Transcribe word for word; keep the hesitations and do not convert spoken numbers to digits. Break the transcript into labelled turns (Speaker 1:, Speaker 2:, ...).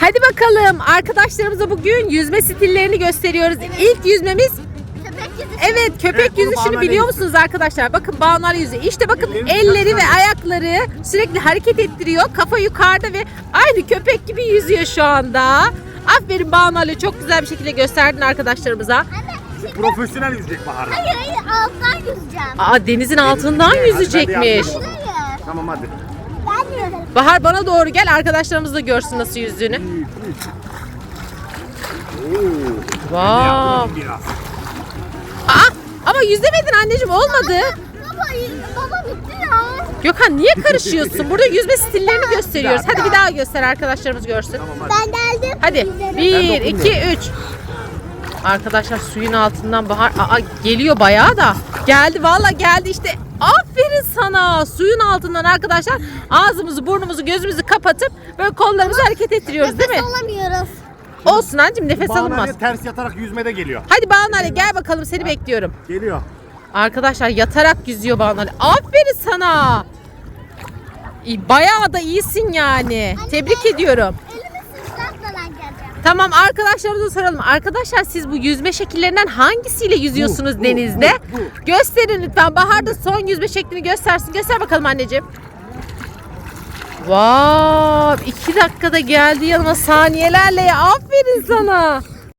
Speaker 1: Hadi bakalım arkadaşlarımıza bugün yüzme stillerini gösteriyoruz. İlk yüzmemiz
Speaker 2: Köpek yüzüşü.
Speaker 1: evet köpek
Speaker 3: Evet, bunu
Speaker 1: yüzüşünü
Speaker 3: Banu
Speaker 1: biliyor
Speaker 3: Ali
Speaker 1: musunuz arkadaşlar? Bakın Banu Ali yüzüyor. İşte bakın
Speaker 3: Ellerini
Speaker 1: elleri ve
Speaker 3: yukarı.
Speaker 1: ayakları sürekli hareket ettiriyor. Kafa yukarıda ve aynı köpek gibi yüzüyor şu anda. Aferin Banu Ali, çok güzel bir şekilde gösterdin arkadaşlarımıza.
Speaker 2: Anne, şimdi
Speaker 3: Profesyonel yüzecek Bahar'la.
Speaker 2: hayır hayır alttan yüzeceğim.
Speaker 1: Aa, denizin altından
Speaker 3: Hadi ben de
Speaker 1: yüzecekmiş.
Speaker 3: yardım
Speaker 2: Hayır.
Speaker 3: Tamam hadi.
Speaker 2: Ben yüzerim.
Speaker 1: Bahar bana doğru gel, arkadaşlarımız da görsün nasıl yüzdüğünü.
Speaker 3: Oo.
Speaker 1: Wow.
Speaker 3: Biraz.
Speaker 1: Aa, ama yüzemedin anneciğim, olmadı.
Speaker 2: Baba, baba bitti ya.
Speaker 1: Gökhan niye karışıyorsun? Burada yüzme stillerini gösteriyoruz. Hadi bir daha göster, arkadaşlarımız görsün.
Speaker 3: Tamam hadi.
Speaker 2: Ben geldim.
Speaker 1: Hadi
Speaker 2: Yüzerim.
Speaker 1: bir,
Speaker 3: Ben
Speaker 1: iki, üç. Arkadaşlar suyun altından Bahar aa, geliyor bayağı da. Geldi valla, geldi işte. Aferin sana. Suyun altından arkadaşlar ağzımızı, burnumuzu, gözümüzü kapatıp böyle kollarımızı hareket ettiriyoruz değil mi?
Speaker 2: Nefes alamıyoruz.
Speaker 1: Olsun anneciğim, nefes
Speaker 3: Banu
Speaker 1: alınmaz.
Speaker 3: Ali ters yatarak yüzmede geliyor.
Speaker 1: Hadi Banu Ali gel bakalım, seni bekliyorum.
Speaker 3: Geliyor.
Speaker 1: Arkadaşlar yatarak yüzüyor Banu Ali. Aferin sana. İyi, bayağı da iyisin yani. Tebrik ediyorum.
Speaker 2: Elimi sızlatmadan geleceğim.
Speaker 1: Tamam, arkadaşlarımıza soralım. Arkadaşlar siz bu yüzme şekillerinden hangisiyle yüzüyorsunuz
Speaker 3: Bu, bu,
Speaker 1: denizde?
Speaker 3: bu, bu.
Speaker 1: Gösterin lütfen. Bahar da son yüzme şeklini göstersin. Göster bakalım anneciğim. Vav, iki dakikada geldi yanıma saniyelerle ya. Aferin sana.